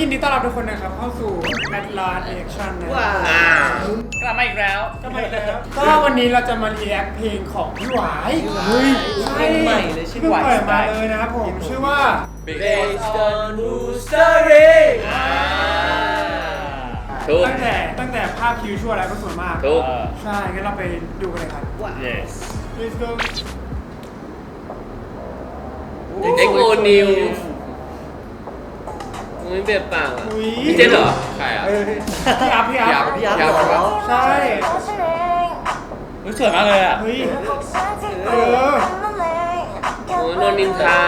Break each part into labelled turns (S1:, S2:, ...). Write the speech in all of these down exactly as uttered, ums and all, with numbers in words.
S1: ยินดีต้อนรับทุกคนนะครับเข้าสู่แมทลาร์เอ็กชั่นนะว้ากลับมาอีกแล้วกลับมาอีกแล้วก็วันนี้เราจะมารีแอคเพลงของพี่หวายเฮ้ยเพลงใหม่เลยชื่อหวายมาเลยนะครับผมชื่อว่า
S2: Based on True Story
S1: ตั้งแต่ตั้งแต่ภาพคิวชั่วแล้วก็สวยมาก
S2: ถูก
S1: ใช่งั้นเราไปดูกันเลยครับ
S2: Yes
S1: Let's go
S2: เอ็กโอนิวไม่เปลี่ยนปากอ่ะพี่เจนเหรอใครอ่ะ
S1: พี่อัพพี่อัพ
S2: พี่อัพใช่ปะ
S1: ใช่
S3: สวยมากเลยอ่ะ
S1: เฮ้ยเออ
S2: โอ้ยโดนนินทา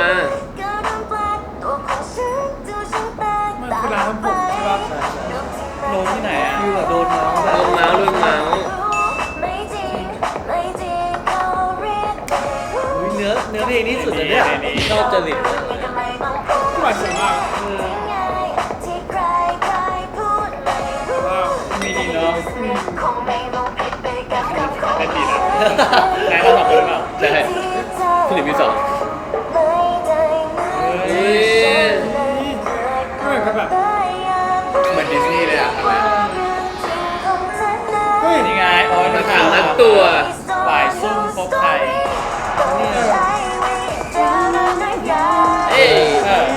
S1: มันคือร้านทำผมใช่ปะ
S3: โดนที่ไหนอ่ะ
S2: คือแบบโดนเมาส์โดนเมาส์โดนเมาส์
S3: เนื้อเนื้อเพลงนี้สุดเลยเนี่ยชอบจริต
S1: พี่หวายสวยมาก
S3: มีดีเนาะเป็นดีนะนายเราสองคนหรือเปล่า
S2: ใช่พี่หลิมมีสองเฮ้ย
S1: เหมือนกับแบบ
S2: เหมือนดิสนีย์เลยอ่ะทำไม
S1: เฮ้ย
S3: นี่ไงโอ้ย
S2: มัน
S3: ถาม
S2: ทั้งตัว
S3: ฝ่ายซุ่มพบไทย
S2: เอ้ย
S3: เออ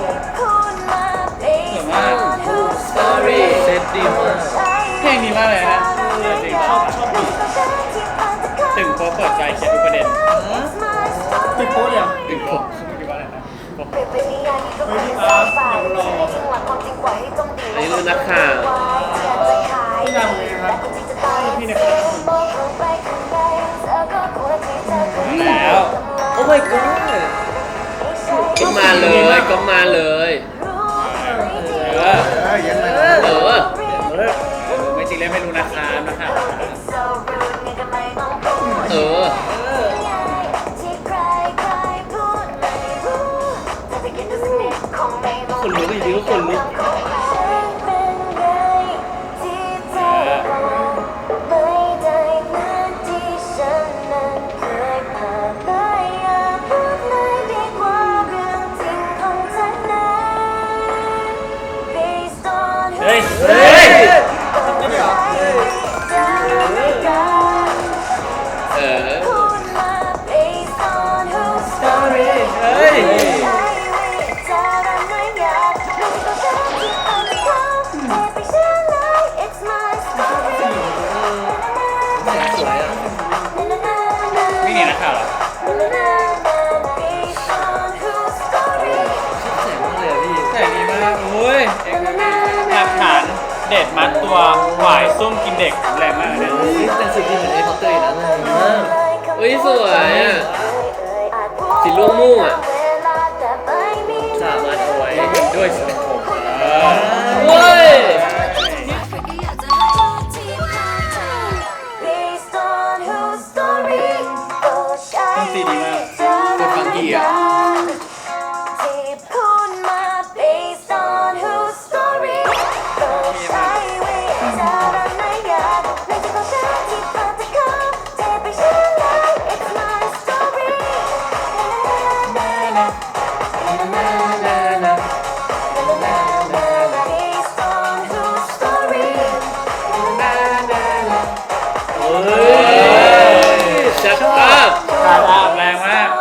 S3: สวยมาก
S2: Story เซตดีมาก
S3: เพลงนี้มากเลยนะจริงชอบชอบดีตึงโป๊เปิดใจเขียนทุกประเด็น
S1: ติดโป๊ะเลยอ่ะ
S3: ตึงโป๊คิดว่าอะไรนะโป๊
S1: เฮ้ยพี่อัพอย่างรอ
S2: อันนี้รุ่นนักข่าว
S1: พี่นำเลยนะครับพี่เนี่ย
S3: แล้ว
S2: โอ้ my god ก็มาเลยก็มาเลย
S3: เออ
S2: เออ
S3: ไม่จริงเลยไม่รู้นะครับนะครับ
S2: เออคนลุกอีกทีก็คนลุก
S3: เฮ้ยเฮ้ย
S2: เออ
S3: เฮ้ยไม่หนีนักข่าวหรอแสงดีมากโอ้ยหลักฐานเด็ดมัดตัวหวายซุ่มกินเด็กแรงมากเลยเนี่ย
S2: แต่สุดที่เหมือนไอ้พอตเตอร์อีกแล้วนะเฮ้ยสวยอ่ะสีม่วงม่วงอ่ะสามาถวย
S3: ด้วยสิบหก
S2: เว้ย
S3: ต้องตีดีมาก
S2: เป็นฟังกี้อ่ะชัดมาก
S3: ขาดอาบแรงมาก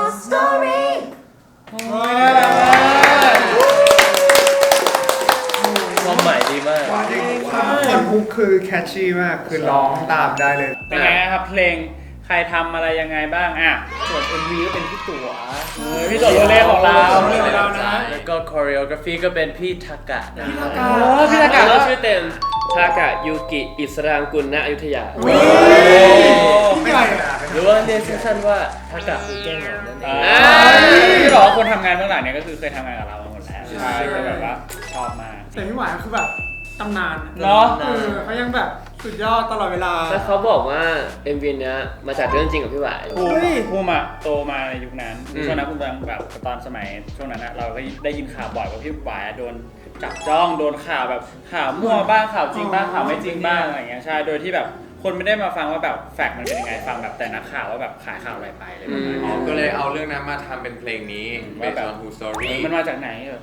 S3: ความหมายดีมาก
S1: คนฮุกคือแคชชี่มากคือร้องตามได้เลย
S3: เป็นไงครับเพลงใครทำอะไรยังไงบ้างอ่ะส่วน เอ็ม วี ก็เป็นพี่ตั๋วพี่ตั๋วโรเล่ของเรา
S2: แล้วก็คอเรียกราฟีก็เป็นพี่ทากะนะครั
S3: บพี่ทากะ
S2: แล้วชื่อเต็มทากะยูกิอิสรางกุลณอยุธยา
S1: ไม่ใช่
S2: หรือว่าเรียกสั้นๆว่าทากะคือแก้งเหงานั่นเอง
S3: ที่บอกว่าคนทำงานเบื้องหลังเนี่ยก็คือเคยทำงานกับเรามาหมดแล้วใช่ก็แบบว่าชอบมาก
S1: แต่พี่หวานคือแบบตำนาน
S3: เนาะ
S1: เขายังแบบสุดยอดตลอดเวลา
S2: แล้วเขาบอกว่า เอ็ม วี เนี้ยมาจากเรื่องจริงกับพี่หวาย
S3: ภูมิอะโตมาในยุคนั้นช่วงนั้นภูมิแบบตอนสมัยช่วงนั้นเราก็ได้ยินข่าวบ่อยว่าพี่หวายโดนจับจ้องโดนข่าวแบบข่าวมั่วบ้างข่าวจริงบ้างข่าวไม่จริงบ้างอะไรเงี้ยใช่โดยที่แบบคนไม่ได้มาฟังว่าแบบแฟกต์มันเป็นยังไงฟังแบบแต่นักข่าวว่าแบบขายข่าวอะไรไปเลย
S4: อ๋อก็เลยเอาเรื่องนั้นมาทำเป็นเพลงนี้ Based on True Story
S3: มันมาจากไหนเออ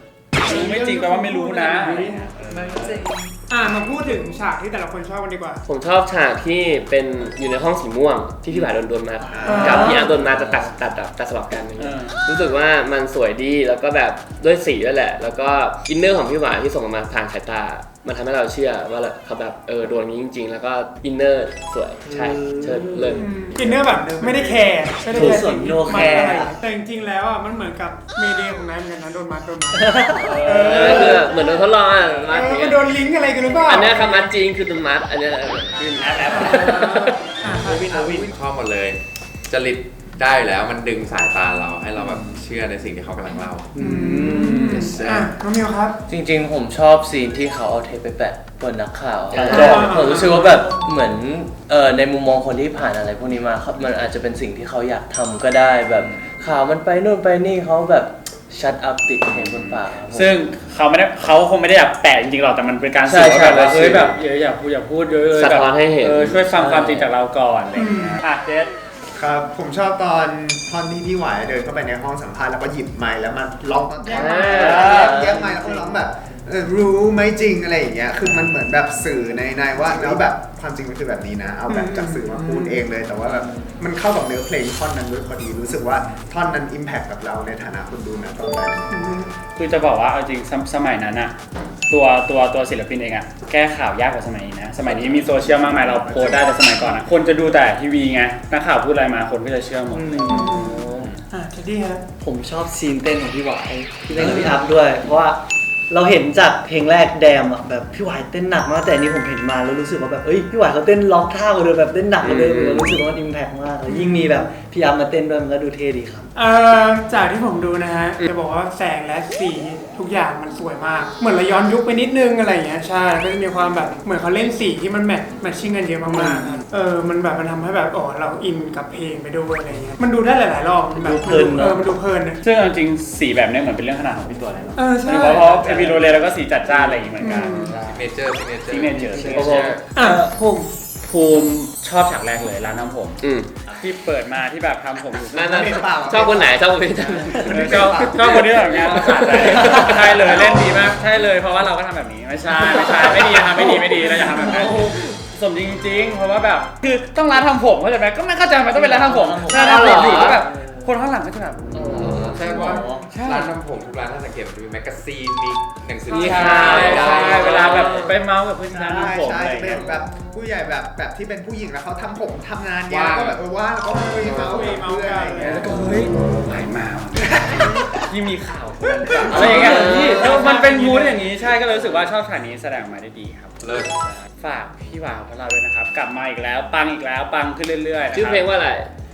S3: รู้ไม่จริงแปลว่าไม่รู้นะอะไรเงี้ย
S1: อ่ะมาพูดถึงฉากที่แต่ละคนชอบกันดีกว่า
S2: ผมชอบฉากที่เป็นอยู่ในห้องสีม่วงที่พี่หวายโดนโดนมากับพี่อาร์โดนมาจะตัดตัดตัดตัดสลับกันอย่างเงี้ยรู้สึกว่ามันสวยดีแล้วก็แบบด้วยสีด้วยแหละแล้วก็อินเนอร์ของพี่หวายที่ส่งออกมาผ่านสายตามันทำให้เราเชื่อว่าเขาแบบเออโดนนี้จริงๆแล้วก็อินเนอร์สวยใช่เชิญเลย
S1: อินเนอร์แบบไม่ได้แคร์ไม่ได้แคร์
S4: ส่วนโนแคร์
S1: แต่จริงๆแล้วอ่ะมันเหมือนกับเมเดย์ของนายเหมือนกันนะโดนมัดโดนมัด
S2: เออคือเหมือนโดนทดลองอ่ะ
S1: เอ
S2: มัด
S1: อ
S2: อย่าง
S1: มั
S2: เงี้
S1: น
S2: ย
S1: โดนลิงก์อะไรกันหรือเปล่า
S2: อันนี้คำมัดจริงคือโดนมัดอันนี้คือแอปแอป
S4: วินวิน
S5: ชอบหมดเลยจริตได้อยู่แล้วมันดึงสายตาเราให้เราแบบเชื่อในสิ่งที่เขากำลังเล่า
S1: อืมอ่ะน้องมิวครับ
S4: จริงๆ ผมชอบซีนที่เขาเอาเทปไปแปะบนนักข่าว
S2: อ่า
S4: ผมรู้สึกว่าแบบเหมือนเอ่อในมุมมองคนที่ผ่านอะไรพวกนี้มาเขามันอาจจะเป็นสิ่งที่เขาอยากทำก็ได้แบบข่าวมันไปนู่นไปนี่เขาแบบชัดอัพติดเพลงบนปากครับผม
S3: ซึ่งเขาไม่ได้เขาคงไม่ได้อยากแปะจริงๆหรอกแต่มันเป็นการ
S4: ใช่
S3: สื่อว่าแบบว่า
S4: ใช่
S3: เฮ้ยแบบอย่าอย่าพูดอย่าพูดเยอะเลย
S2: สะ
S3: แบบ
S2: ท้อนให้เห็น
S3: เออช่วยฟังความจริงจากเราก่อนอะไรอย่างเงี้ยอ่ะเจส
S6: ครับผมชอบตอนท่อนที่พี่หวายเดินเข้าไปในห้องสัมภาษณ์แล้วก็หยิบไมค์แล้วมันร้องแย่งไมค์แย่งไมค์แล้วก็ร้องแบบเออรู้ไหมจริงอะไรอย่างเงี้ยคือมันเหมือนแบบสื่อในในว่าแล้วแบบความจริงมันคือแบบนี้นะเอาแบบจากสื่อมาพูดเองเลยแต่ว่าแบบมันเข้ากับเนื้อเพลงท่อนนั้นด้วยพอดีรู้สึกว่าท่อนนั้นอิมแพคกับเราในฐานะคนดูนะตอนนั้น
S3: คือจะบอกว่าเอาจริงสมสมัยนั้นอะตัวตัวตัวศิลปินเองอะแก้ข่าวยากกว่าสมัยนี้นะสมัยนี้มีโซเชียลมากมายเราโพสต์ได้แต่สมัยก่อนอะคนจะดูแต่ทีวีไงนักข่าวพูดอะไรมาคนก็จะเชื่อหมดเลย
S1: อ่ะเจดดี้ครับ
S4: ผมชอบซีนเต้นของพี่หวายที่เล่นกับพี่อัพด้วย เพราะว่าเราเห็นจากเพลงแรกแดมอ่ะแบบพี่หวายเต้นหนักมากแต่อันนี้ผมเห็นมาแล้วรู้สึกว่าแบบเอ้ยพี่หวายเขาเต้นล็อกท่ากว่าเดิมแบบเต้นหนักกว่าเดิมเรารู้สึกว่ามันอิมแพคมากแล้วยิ่งมีแบบพี่อัพมาเต้นด้วยมันก็ดูเท่ดีครับ
S1: เอ่อจากที่ผมดูนะฮะจะบอกว่าแสงและสีทุกอย่างมันสวยมาก เหมือนเราย้อนยุคไปนิดนึงอะไรอย่างเงี้ยใช่ก็จะมีความแบบเหมือนเขาเล่นสีที่มันแมทแมทชิ่งกันเยอะมากๆครับเออมันแบบมันทำให้แบบอ๋อเราอินกับเพลงไปด้วยอะไรเงี้ยมันดูได้หลายๆรอบมันแบบ
S4: ดูเพลินเนอะ
S1: เออมันดูเพลินนะ
S3: ซึ่งเอาจริงสีแบบนี้เหมือนเป็นเรื่องขนาดของพี่ตัวเลยเนาะ
S1: เออใช่
S3: เพราะเพราะเอพิโรเลแล้วก็สีจัดจ้านอะไรอย่างงี้เหมือนกัน
S5: เนเจอร์เนเจอร์
S3: ซิกเนเจอร์ซิกเน
S2: โอ้โห
S3: เจอร์
S1: อ่ะผม
S3: ภูมิชอบฉากแรกเลยร้านทำผม
S2: อืม
S3: ที่เปิดมาที่แบบทำผมอยู่
S2: นั่นนั่นชอบคนไหนชอบคนไหน
S3: เออชอบชอบคนที่แบบงานภาษาใจใช่เลยเล่นดีมากใช่เลยเพราะว่าเราก็ทำแบบนี้ไม่ใช่ไม่ใช่ไม่ดีทำไม่ดีไม่ดีเราอย่าทำแบบนั้นสมจริงๆเพราะว่าแบบคือต้องร้านทำผมเข้าใจไหมก็ไม่เข้าใจทำไมต้องเป็นร้านทำผมร้านทำผมอยู่ก็แบบคนข้างหลังก็จะแบบ
S5: ใช่ว่า
S3: ใช่
S5: ร้านทำผมทุกร้านถ้าสังเกตมันจะมีแมกกาซีนมีหนังสือ
S3: ใช่
S5: พิมพ์
S3: ใช่
S5: ได้
S3: ใช่เวลาแบบไปเมาส์กับเพื่อนที่ร้าน
S6: ใช่
S3: ทำผม
S6: ใช่
S3: อะไร
S6: จะเป็
S3: เงี้
S6: น
S3: ย
S6: แบบผู้ใหญ่แบบแบบที่เป็นผู้หญิงแล้วเขาทำผมทำงานเยอะก็แบบเออว่างแล้วก็คุยเมาส์กับเพื่อนอะไรอย่างเงี้ย
S3: แล้วก็เฮ้ยหายมาว่ะที่มีข่าวอะไรอย่างเงี้ยที่เออมันเป็นมูดอย่างนี้ใช่ก็เลยรู้สึกว่าชอบฉากนี้แสดงออกมาได้ดีครับ
S5: เลิศ
S3: ฝากพี่วาวของเราด้วยนะครับ กลับมาอีกแล้วปังอีกแล้วปังขึ้นเรื่อยๆนะครับ
S2: ชื่อเพลงว่าอะไร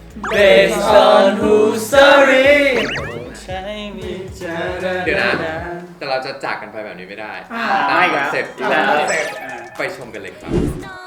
S4: Based on who's sorry
S3: ใช่มีเจอ
S5: เดี๋ยวนะ แต่เราจะจากกันไปแบบนี้ไม่ได้
S1: อ่า
S5: ตาม
S3: ไม่
S5: ค
S3: ค
S5: อ
S3: รั
S5: น
S3: บ
S5: เซ็ปต์ที่
S3: แล้
S5: เรา
S3: ว
S5: ไปชมกันเลยครับ
S7: No